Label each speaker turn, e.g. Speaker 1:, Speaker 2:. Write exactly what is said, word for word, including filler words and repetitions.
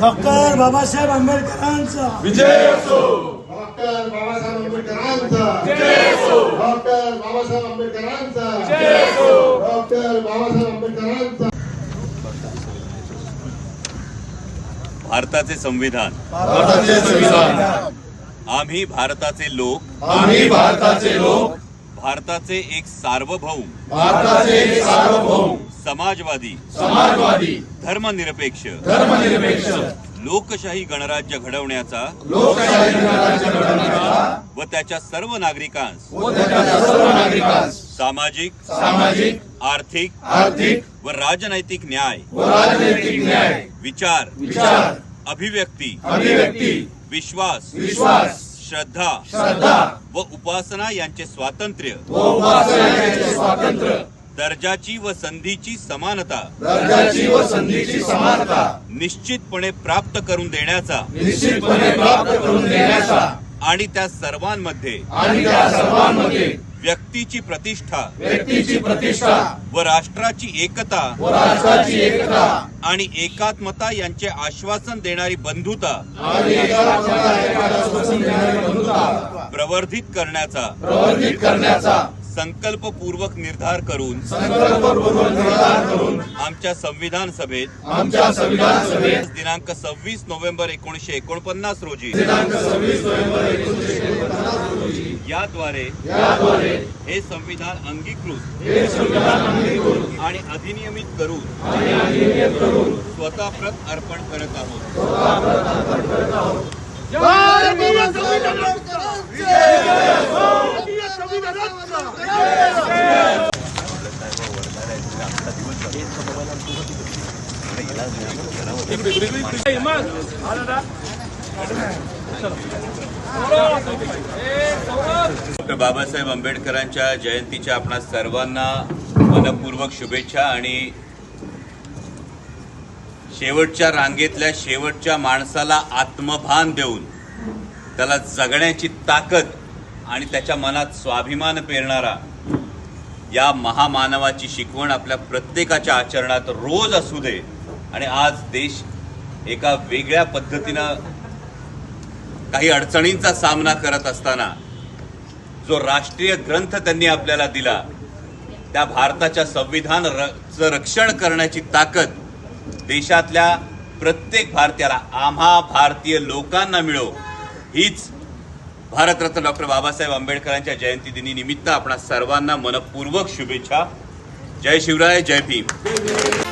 Speaker 1: Doctor Babasaheb आंबेडकरांचा
Speaker 2: विजय असो.
Speaker 3: Doctor Babasaheb आंबेडकरांचा विजय असो. डॉक्टर बाबासाहेब आंबेडकरांचा
Speaker 2: विजय असो.
Speaker 3: डॉक्टर बाबासाहेब आंबेडकरांचा.
Speaker 4: भारताचे संविधान,
Speaker 2: भारताचे संविधान,
Speaker 4: आम्ही भारताचे लोक,
Speaker 2: आम्ही भारताचे लोक,
Speaker 4: भारताचे एक सार्वभौम,
Speaker 2: भारताचे एक सार्वभौम,
Speaker 4: समाजवादी,
Speaker 2: समाजवादी,
Speaker 4: धर्मनिरपेक्ष,
Speaker 2: धर्मनिरपेक्ष,
Speaker 4: लोकशाही गणराज्य घडवण्याचा
Speaker 2: लोकशाही गणराज्य घडवण्याचा
Speaker 4: व त्याच्या सर्व नागरिकांस
Speaker 2: व त्याच्या सर्व नागरिकांस
Speaker 4: सामाजिक,
Speaker 2: सामाजिक,
Speaker 4: आर्थिक
Speaker 2: आर्थिक
Speaker 4: व राजनैतिक न्याय,
Speaker 2: व राजनैतिक न्याय,
Speaker 4: विचार,
Speaker 2: विचार,
Speaker 4: अभिव्यक्ती,
Speaker 2: अभिव्यक्ती,
Speaker 4: विश्वास,
Speaker 2: विश्वास,
Speaker 4: श्रद्धा
Speaker 2: श्रद्धा
Speaker 4: व उपासना यांचे स्वातंत्र्य,
Speaker 2: व उपासनेचे स्वातंत्र्य,
Speaker 4: दर्जाची व संधीची समानता
Speaker 2: दर्जाची व संधीची समानता
Speaker 4: निश्चितपणे प्राप्त करून देण्याचा
Speaker 2: निश्चितपणे प्राप्त करून देण्याचा
Speaker 4: आणि त्या सर्वांमध्ये
Speaker 2: आणि त्या सर्वांमध्ये
Speaker 4: व्यक्तीची प्रतिष्ठा
Speaker 2: व्यक्तीची प्रतिष्ठा
Speaker 4: व राष्ट्राची एकता
Speaker 2: व राष्ट्राची एकता
Speaker 4: आणि एकात्मता यांचे आश्वासन देणारी बंधुता
Speaker 2: आणि एकात्मता एकाला स्वसन देणारी बंधुता
Speaker 4: प्रवर्धित करण्याचा
Speaker 2: प्रवर्धित करण्याचा
Speaker 4: संकल्पपूर्वक निर्धार करून
Speaker 2: संकल्पपूर्वक निर्धार करून
Speaker 4: आमच्या संविधान सभेत
Speaker 2: आमच्या संविधान सभेत
Speaker 4: दिनांक सव्वीस नोव्हेंबर एकोणीसशे एकोणपन्नास रोजी
Speaker 2: दिनांक सव्वीस नोव्हेंबर एकोणीसशे एकोणपन्नास रोजी
Speaker 4: याद्वारे
Speaker 2: याद्वारे
Speaker 4: हे संविधान अंगीकृत
Speaker 2: हे संविधान अंगीकृत
Speaker 4: आणि अधिनियमित करून
Speaker 2: आणि अधिनियमित करून
Speaker 4: स्वतः प्रत अर्पण करत आहोत. डॉक्टर बाबासाहेब आंबेडकरांच्या जयंतीच्या आपणा सर्वांना मनपूर्वक शुभेच्छा. आणि शेवटच्या रांगेतल्या शेवटच्या माणसाला आत्मभान देऊन त्याला जगण्याची ताकद आणि त्याच्या मनात स्वाभिमान पेरणारा या महामानवाची शिकवण आपल्या प्रत्येकाच्या आचरणात रोज असू दे. आणि आज देश एका वेगळ्या पद्धतीनं काही अडचणींचा सामना करत असताना जो राष्ट्रीय ग्रंथ त्यांनी आपल्याला दिला, त्या भारताच्या संविधानाचं रक्षण करण्याची ताकद देशातल्या प्रत्येक भारतीयाला, आम्हा भारतीय लोकांना मिळो, हीच भारतरत्न डॉक्टर बाबासाहेब आंबेडकरांच्या जयंती दिनी निमित्त आपणा सर्वांना मनपूर्वक शुभेच्छा. जय शिवराय, जय भीम.